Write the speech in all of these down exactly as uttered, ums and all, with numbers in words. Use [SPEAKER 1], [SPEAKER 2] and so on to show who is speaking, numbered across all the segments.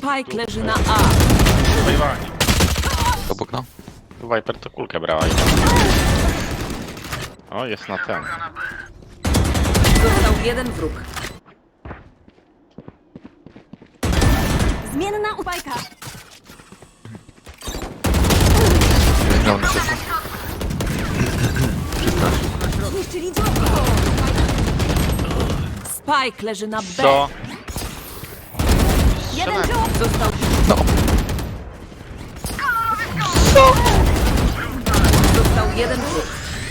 [SPEAKER 1] Spike leży na A.
[SPEAKER 2] Wajwani.
[SPEAKER 3] Obok no.
[SPEAKER 2] Viper to kulkę brała. O, jest na ten.
[SPEAKER 1] Został jeden wróg.
[SPEAKER 4] Zmienna upajka.
[SPEAKER 3] Miał na szybko. Przepraszam.
[SPEAKER 4] Zniszczyli działko.
[SPEAKER 1] Spike leży na B.
[SPEAKER 2] Co?
[SPEAKER 4] Jeden dziób.
[SPEAKER 1] Został...
[SPEAKER 3] No.
[SPEAKER 1] Został jeden wróg.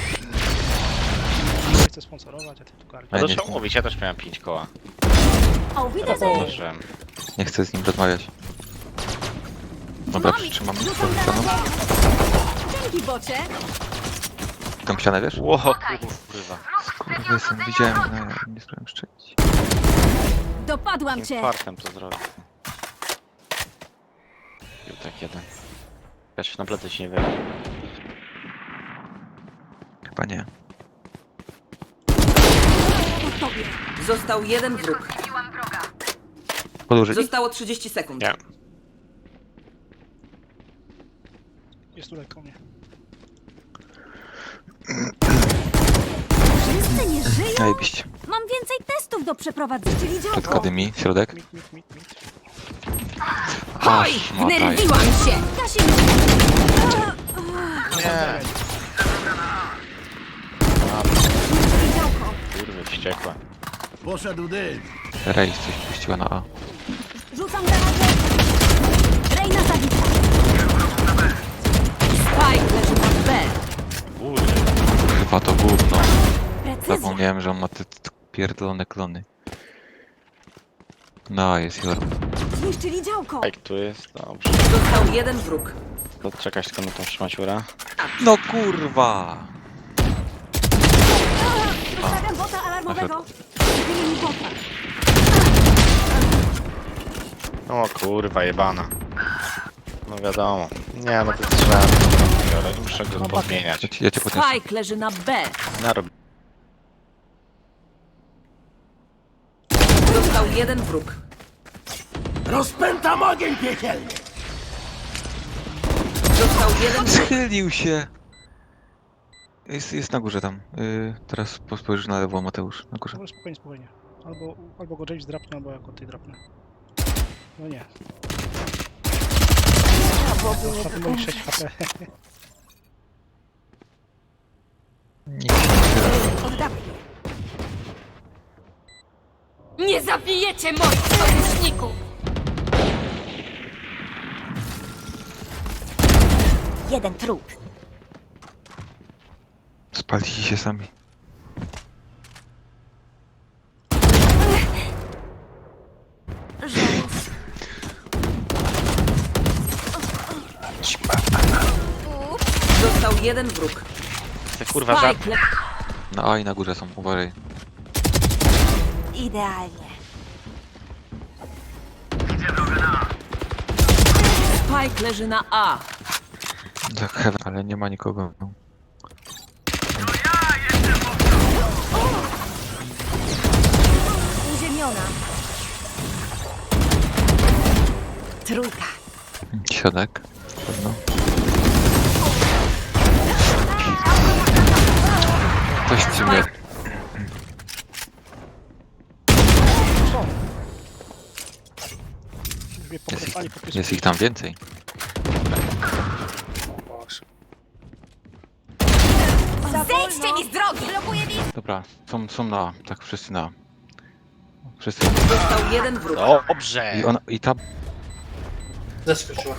[SPEAKER 5] Nie chcę sponsorować, a ty tu karmi.
[SPEAKER 2] No
[SPEAKER 3] Ja
[SPEAKER 2] to
[SPEAKER 3] nie
[SPEAKER 2] trzeba
[SPEAKER 3] chcę.
[SPEAKER 2] mówić, ja też miałem pięć koła.
[SPEAKER 4] O, widzę.
[SPEAKER 2] Że...
[SPEAKER 3] Nie chcę z nim rozmawiać. Dobra, przytrzymam
[SPEAKER 4] Rzucam
[SPEAKER 3] tą ścianą.
[SPEAKER 4] granatę. Dzięki, bocie.
[SPEAKER 3] Tą ścianę, wiesz?
[SPEAKER 2] Ło, kurwa.
[SPEAKER 3] Kurwa, jestem, widziałem, no ja nie spróbowałem strzelić.
[SPEAKER 4] Dopadłam
[SPEAKER 2] Jakim
[SPEAKER 4] cię.
[SPEAKER 2] fartem to zrobił. Był tak jeden. Ja się na plecy się nie wiem.
[SPEAKER 3] Chyba nie.
[SPEAKER 4] Po tobie.
[SPEAKER 1] Został jeden wróg.
[SPEAKER 3] Podłużyli?
[SPEAKER 1] Zostało trzydzieści sekund.
[SPEAKER 2] Nie.
[SPEAKER 5] Jest tu lekko mnie.
[SPEAKER 4] Wszyscy nie żyją?
[SPEAKER 3] Zajebiście.
[SPEAKER 4] Mam więcej testów do przeprowadzenia. Czyli
[SPEAKER 3] Przed
[SPEAKER 4] działko.
[SPEAKER 3] kodymi, środek.
[SPEAKER 5] Mit, mit, mit, mit.
[SPEAKER 1] Oj,
[SPEAKER 3] Aż mataj.
[SPEAKER 1] wnerwiłam się.
[SPEAKER 4] Kasim.
[SPEAKER 2] Nie.
[SPEAKER 4] Działko.
[SPEAKER 2] Kurwy, wściekłe.
[SPEAKER 6] Poszedł dym.
[SPEAKER 3] Rejs coś puściła na A.
[SPEAKER 4] Rzucam granatę. Rejna zabita.
[SPEAKER 1] Spike leży na B.
[SPEAKER 2] Kurwy.
[SPEAKER 3] Chyba to gówno.
[SPEAKER 4] Precyzja.
[SPEAKER 3] Zapomniałem, że on ma te, te pierdolone klony. No, jest Jorm.
[SPEAKER 4] Zniszczyli działko.
[SPEAKER 2] Jak tu jest? Dobrze.
[SPEAKER 1] Został jeden wróg.
[SPEAKER 2] To czekać tylko na tą szmaciurę.
[SPEAKER 3] No kurwa!
[SPEAKER 4] Zostawiam bota alarmowego. Zbili mi bota.
[SPEAKER 2] O kurwa, jebana. No wiadomo. Nie, no to trzeba. Biorę, muszę go podmieniać.
[SPEAKER 3] Ja cię, ja cię podniosę.
[SPEAKER 1] Spike leży na B.
[SPEAKER 2] Narob.
[SPEAKER 1] Został jeden wróg.
[SPEAKER 6] Rozpętam ogień piekielny.
[SPEAKER 1] Został jeden wróg.
[SPEAKER 3] Schylił się! Jest, jest na górze tam. Yy, teraz spojrzysz na lewo, Mateusz. Na górze.
[SPEAKER 5] Dobra, spokojnie, spokojnie. Albo, albo go James drapnie, albo jako ty drapnę. No nie. Na tym moich sześć H P.
[SPEAKER 3] Nikt się nie wyraża.
[SPEAKER 4] Oddawaj.
[SPEAKER 1] Nie zabijecie moich sojuszników!
[SPEAKER 4] Jeden trup.
[SPEAKER 3] Spalili się sami.
[SPEAKER 4] Żółw.
[SPEAKER 1] Został jeden wróg.
[SPEAKER 2] Ty kurwa żart.
[SPEAKER 1] Spike le...
[SPEAKER 3] Na A i na górze są, uważaj.
[SPEAKER 4] Idealnie.
[SPEAKER 1] Spike leży na A.
[SPEAKER 3] Tak, heaven, ale nie ma nikogo.
[SPEAKER 4] Uziemiona. Trójka.
[SPEAKER 3] Środek, pewno. Coś ci mnie...
[SPEAKER 5] Już mnie
[SPEAKER 3] Jest
[SPEAKER 5] pokręcali
[SPEAKER 3] ich,
[SPEAKER 5] po pysku.
[SPEAKER 3] jest ich tam więcej.
[SPEAKER 4] Zejdźcie mi z drogi! Blokuję mi!
[SPEAKER 3] Dobra, są, są na A, tak wszyscy na A. Wszyscy.
[SPEAKER 1] Został jeden wróg.
[SPEAKER 2] Dobrze.
[SPEAKER 3] I ona, i ta...
[SPEAKER 7] Zaskoczyła.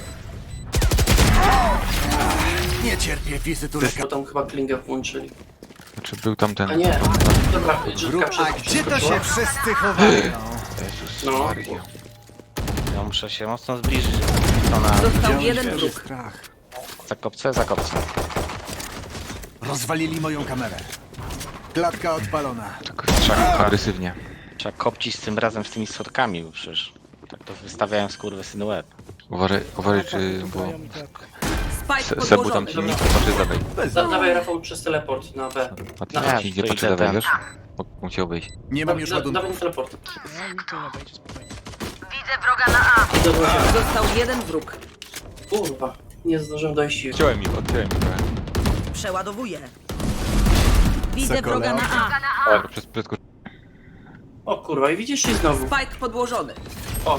[SPEAKER 6] Nie cierpię fizytureka.
[SPEAKER 7] Bo tam chyba klingę włączyli.
[SPEAKER 3] Znaczy był tam ten...
[SPEAKER 7] A nie. Dobra, Żydka przez
[SPEAKER 6] A gdzie to się wszyscy chowają?
[SPEAKER 3] Jezus
[SPEAKER 7] No.
[SPEAKER 3] Maria.
[SPEAKER 2] Ja muszę się mocno zbliżyć. To na
[SPEAKER 1] Został jeden wróg.
[SPEAKER 6] Strach.
[SPEAKER 2] zakopce, zakopce.
[SPEAKER 6] Rozwalili moją kamerę. Klatka odpalona.
[SPEAKER 3] Tak trzeba agresywnie.
[SPEAKER 2] Trzeba kopcić z tym razem z tymi schodkami, bo przecież tak to wystawiałem skurwysyny łeb.
[SPEAKER 3] Uważaj, uważaj czy... bo...
[SPEAKER 5] Dają mi tak.
[SPEAKER 1] Spike
[SPEAKER 3] Se- Sebu tam
[SPEAKER 1] podłożony.
[SPEAKER 3] ci patrzy zadaj.
[SPEAKER 7] Da, dawaj Rafał przez teleport na B.
[SPEAKER 3] A ty
[SPEAKER 7] Na
[SPEAKER 3] tam
[SPEAKER 2] Nie,
[SPEAKER 3] ci idzie
[SPEAKER 2] to
[SPEAKER 3] patrzy
[SPEAKER 2] idę
[SPEAKER 3] zadaj,
[SPEAKER 2] tam.
[SPEAKER 3] wiesz? Bo musiał wyjść.
[SPEAKER 6] Nie
[SPEAKER 7] Da,
[SPEAKER 6] mam już
[SPEAKER 7] da,
[SPEAKER 6] ładunku.
[SPEAKER 7] dawaj na teleport.
[SPEAKER 5] No mi to nie wejdzie spokojnie.
[SPEAKER 1] Widzę wroga na A.
[SPEAKER 7] I do łazienki.
[SPEAKER 1] Został jeden wróg.
[SPEAKER 7] Kurwa, nie zdążyłem dojść.
[SPEAKER 3] Odciąłem ich, odciąłem ich trochę.
[SPEAKER 1] Przeładowuję. Widzę
[SPEAKER 6] Sokole.
[SPEAKER 1] wroga na A.
[SPEAKER 3] Tak, przez, prędko...
[SPEAKER 7] O kurwa, i widzisz i znowu.
[SPEAKER 1] Spike podłożony.
[SPEAKER 7] O,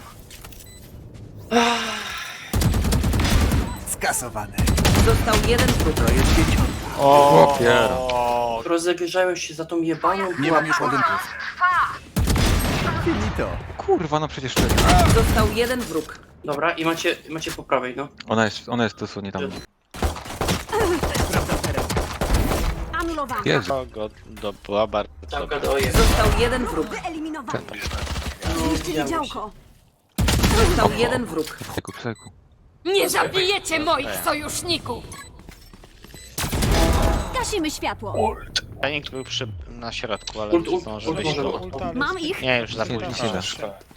[SPEAKER 6] Skasowane.
[SPEAKER 1] Został jeden wróg.
[SPEAKER 2] O,
[SPEAKER 3] piero.
[SPEAKER 7] rozegrzałem się za tą jebaną
[SPEAKER 6] Nie mam już ładunków. Finito.
[SPEAKER 3] Kurwa, no przecież czeka.
[SPEAKER 1] Został jeden wróg.
[SPEAKER 7] Dobra, i macie, macie po prawej, no.
[SPEAKER 3] Ona jest, ona jest dosłownie tam.
[SPEAKER 4] Anulowany.
[SPEAKER 3] Jezu.
[SPEAKER 2] Kogo do była bardzo
[SPEAKER 7] Tam
[SPEAKER 2] dobra.
[SPEAKER 7] gada
[SPEAKER 1] Został jeden wróg.
[SPEAKER 4] Wyeliminowany.
[SPEAKER 7] No,
[SPEAKER 4] Zniszczyli działko.
[SPEAKER 1] Został jeden wróg.
[SPEAKER 3] Psyku, psyku.
[SPEAKER 4] Nie zabijecie moich sojuszników! Gasimy światło.
[SPEAKER 2] Fenik był przy, na środku, ale
[SPEAKER 7] Ult,
[SPEAKER 2] nie
[SPEAKER 7] ult,
[SPEAKER 2] zdążył
[SPEAKER 7] ult
[SPEAKER 2] wyjść
[SPEAKER 7] może
[SPEAKER 2] tu.
[SPEAKER 7] być.
[SPEAKER 5] Ulta, ale
[SPEAKER 4] Mam ich.
[SPEAKER 2] Nie, już za
[SPEAKER 3] Nie,
[SPEAKER 2] późno.
[SPEAKER 3] nic nie da.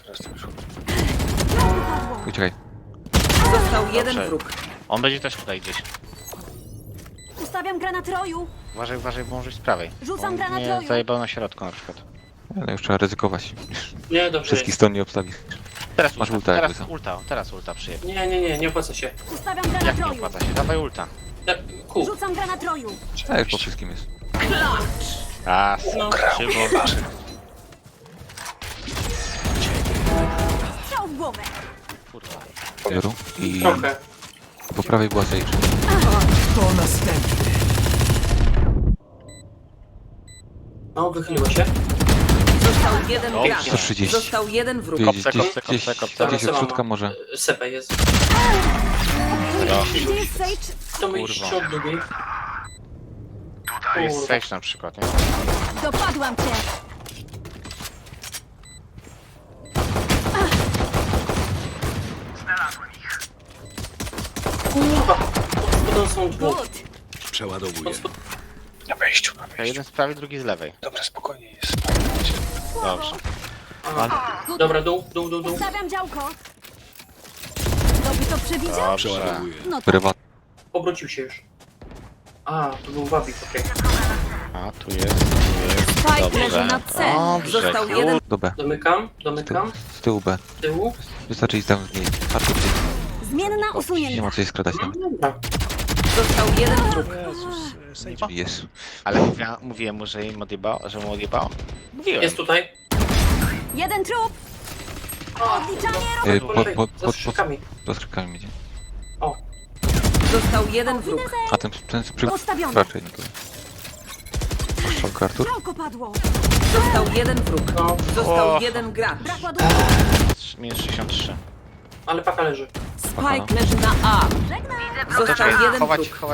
[SPEAKER 4] Padło.
[SPEAKER 3] Uciekaj.
[SPEAKER 1] Został jeden
[SPEAKER 2] Dobrze.
[SPEAKER 1] wróg.
[SPEAKER 2] On będzie też tutaj gdzieś.
[SPEAKER 4] Ustawiam granat roju.
[SPEAKER 2] Uważaj, uważaj, bo może z prawej.
[SPEAKER 4] Rzucam
[SPEAKER 2] On
[SPEAKER 4] granat
[SPEAKER 2] mnie
[SPEAKER 4] roju.
[SPEAKER 2] zajebał na środku na przykład.
[SPEAKER 3] Ale już trzeba ryzykować.
[SPEAKER 7] Nie, dobrze
[SPEAKER 3] Wszystkich
[SPEAKER 7] jest.
[SPEAKER 3] stron nie obstawisz.
[SPEAKER 2] Teraz
[SPEAKER 3] Masz
[SPEAKER 2] ulta,
[SPEAKER 3] ulta jakby
[SPEAKER 2] teraz
[SPEAKER 3] co.
[SPEAKER 2] ulta, teraz ulta przyjebie.
[SPEAKER 7] Nie, nie, nie, nie opłaca się.
[SPEAKER 4] Ustawiam
[SPEAKER 2] Jak
[SPEAKER 4] granat
[SPEAKER 2] nie
[SPEAKER 4] roju.
[SPEAKER 2] opłaca się? Dawaj ulta.
[SPEAKER 7] Ja, ku,
[SPEAKER 4] Rzucam granat roju.
[SPEAKER 3] A już po wszystkim jest.
[SPEAKER 2] A,
[SPEAKER 7] No.
[SPEAKER 2] szybko.
[SPEAKER 4] Strzał w głowę.
[SPEAKER 2] Kurwa.
[SPEAKER 3] Zero. I
[SPEAKER 7] trochę.
[SPEAKER 3] po prawej była Sage.
[SPEAKER 6] To następny.
[SPEAKER 7] No, wychyliło się.
[SPEAKER 1] Został jeden
[SPEAKER 2] Dobrze.
[SPEAKER 1] gracz.
[SPEAKER 3] sto trzydzieści.
[SPEAKER 1] Został jeden wróg.
[SPEAKER 3] Gdzieś,
[SPEAKER 2] Kopce,
[SPEAKER 3] gdzieś,
[SPEAKER 2] kopce,
[SPEAKER 3] gdzieś,
[SPEAKER 2] kopce, kopce.
[SPEAKER 3] gdzieś od środka może.
[SPEAKER 7] Sepę jest.
[SPEAKER 4] Gdzie jest Sage?
[SPEAKER 7] To my iść
[SPEAKER 2] Kurwa.
[SPEAKER 7] od drugiej.
[SPEAKER 2] To jest
[SPEAKER 7] Kurwa.
[SPEAKER 2] stage na przykład, nie?
[SPEAKER 4] Dopadłam cię.
[SPEAKER 7] Kurwa, pod spodem są dwóch.
[SPEAKER 4] Good.
[SPEAKER 6] Przeładowuję.
[SPEAKER 2] To jeden z prawej, drugi z lewej.
[SPEAKER 6] Dobra, spokojnie jest.
[SPEAKER 2] Dobrze.
[SPEAKER 7] Aha. Dobra, dół, dół, dół, dół.
[SPEAKER 4] Ustawiam działko. Kto by to przewidział?
[SPEAKER 2] Dobrze.
[SPEAKER 4] No tak.
[SPEAKER 3] Prywat.
[SPEAKER 7] Obrócił się już. A, to był Wawik, okej.
[SPEAKER 2] A, tu jest, tu jest.
[SPEAKER 1] Spike
[SPEAKER 2] Dobrze.
[SPEAKER 1] leży na C.
[SPEAKER 2] Dobrze,
[SPEAKER 1] Został
[SPEAKER 2] kur-
[SPEAKER 1] jeden.
[SPEAKER 3] Do B.
[SPEAKER 7] Domykam,
[SPEAKER 3] Z tyłu,
[SPEAKER 7] domykam.
[SPEAKER 3] z tyłu B.
[SPEAKER 7] Z tyłu.
[SPEAKER 3] Wystarczy iść tam z niej. Patrzcie,
[SPEAKER 4] Zmienna
[SPEAKER 3] nie ma
[SPEAKER 4] usunięta.
[SPEAKER 3] co się skradać
[SPEAKER 7] No,
[SPEAKER 3] tam.
[SPEAKER 7] dobra.
[SPEAKER 1] Został jeden wróg.
[SPEAKER 5] Jezus, e, Sage.
[SPEAKER 3] Jest.
[SPEAKER 2] Ale mówiłem, mówiłem mu, że im odjebało, że mu odjebało? Mówiłem.
[SPEAKER 7] Jest tutaj.
[SPEAKER 4] Jeden trup. Odliczanie
[SPEAKER 3] Y,
[SPEAKER 7] Po
[SPEAKER 3] Pod,
[SPEAKER 7] lewej,
[SPEAKER 3] pod,
[SPEAKER 7] za
[SPEAKER 3] pod, pod,
[SPEAKER 7] skrzykami.
[SPEAKER 3] pod skrzykami będzie.
[SPEAKER 7] O,
[SPEAKER 1] Został jeden wróg.
[SPEAKER 3] A ten, ten przy...
[SPEAKER 4] Postawiony.
[SPEAKER 3] Raczej nie to. Strzałka Artur.
[SPEAKER 4] Działko padło.
[SPEAKER 1] Został jeden wróg.
[SPEAKER 7] no,
[SPEAKER 1] Został
[SPEAKER 2] O.
[SPEAKER 1] jeden gracz.
[SPEAKER 4] Brak ładunku.
[SPEAKER 2] Minus sześćdziesiąt trzy.
[SPEAKER 7] ale paka leży.
[SPEAKER 1] Spike leży na A.
[SPEAKER 4] Żegnam.
[SPEAKER 1] Został jeden
[SPEAKER 2] chować,
[SPEAKER 1] wróg.
[SPEAKER 2] chować